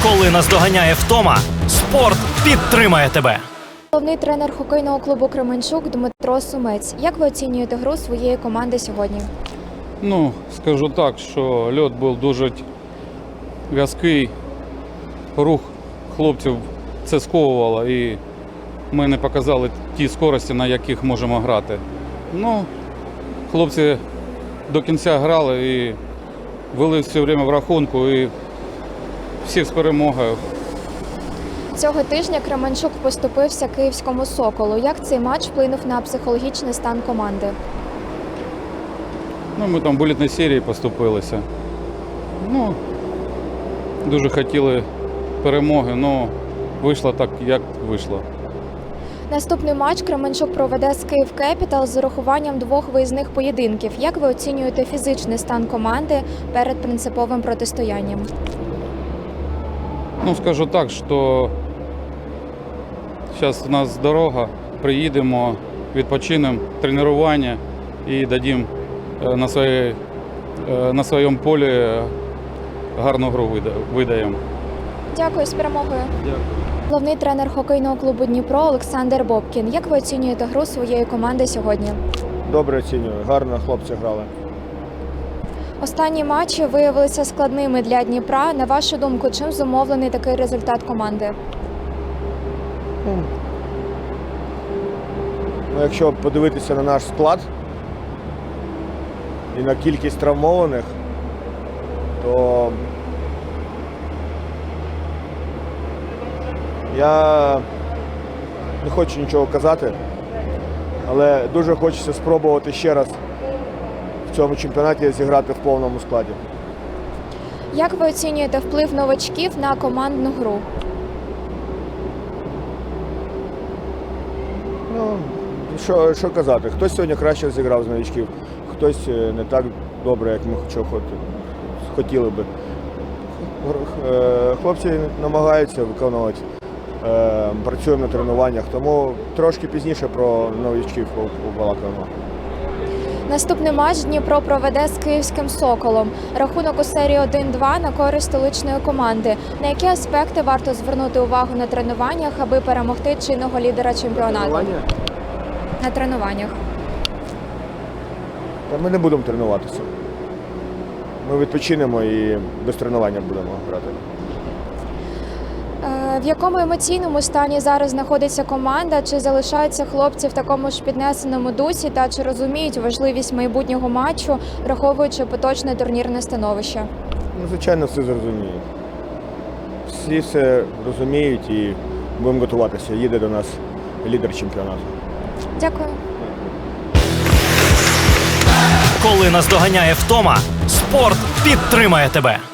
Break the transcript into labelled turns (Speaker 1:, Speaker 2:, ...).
Speaker 1: Коли наздоганяє втома, спорт підтримає тебе.
Speaker 2: Головний тренер хокейного клубу «Кременчук» Дмитро Сумець. Як ви оцінюєте гру своєї команди сьогодні?
Speaker 3: Скажу так, що льот був дуже в'язкий, рух хлопців це сковувало і ми не показали ті скорості, на яких можемо грати. Хлопці до кінця грали і вели все время в рахунку і всіх з перемогою.
Speaker 2: Цього тижня Кременчук поступився київському «Соколу». Як цей матч вплинув на психологічний стан команди?
Speaker 3: Ми там в булітній серії поступилися. Дуже хотіли перемоги, але вийшло так, як вийшло.
Speaker 2: Наступний матч Кременчук проведе з «Київ Кепітал» з урахуванням 2 виїзних поєдинків. Як ви оцінюєте фізичний стан команди перед принциповим протистоянням?
Speaker 3: Скажу так, що зараз у нас дорога, приїдемо, відпочинемо, тренування і дадим на своєму полі гарну гру видаємо.
Speaker 2: Дякую, з перемогою.
Speaker 3: Дякую.
Speaker 2: Головний тренер хокейного клубу «Дніпро» Олександр Бобкін. Як ви оцінюєте гру своєї команди сьогодні?
Speaker 4: Добре оцінюю, гарно хлопці грали.
Speaker 2: Останні матчі виявилися складними для Дніпра. На вашу думку, чим зумовлений такий результат команди?
Speaker 4: Якщо подивитися на наш склад і на кількість травмованих, то я не хочу нічого казати, але дуже хочеться спробувати ще раз в цьому чемпіонаті зіграти в повному складі.
Speaker 2: Як ви оцінюєте вплив новачків на командну гру?
Speaker 4: Що казати, хтось сьогодні краще зіграв з новичків, хтось не так добре, як ми хотіли би. Хлопці намагаються виконувати, працюємо на тренуваннях, тому трошки пізніше про новичків побалакаємо.
Speaker 2: Наступний матч Дніпро проведе з київським «Соколом». Рахунок у серії 1-2 на користь столичної команди. На які аспекти варто звернути увагу на тренуваннях, аби перемогти чинного лідера чемпіонату? На тренуваннях.
Speaker 4: Ми не будемо тренуватися. Ми відпочинемо і без тренування будемо грати.
Speaker 2: В якому емоційному стані зараз знаходиться команда? Чи залишаються хлопці в такому ж піднесеному дусі та чи розуміють важливість майбутнього матчу, враховуючи поточне турнірне становище?
Speaker 4: Звичайно, всі зрозуміють. Всі все розуміють і будемо готуватися. Їде до нас лідер чемпіонату.
Speaker 2: Дякую.
Speaker 1: Коли наздоганяє втома, спорт підтримає тебе.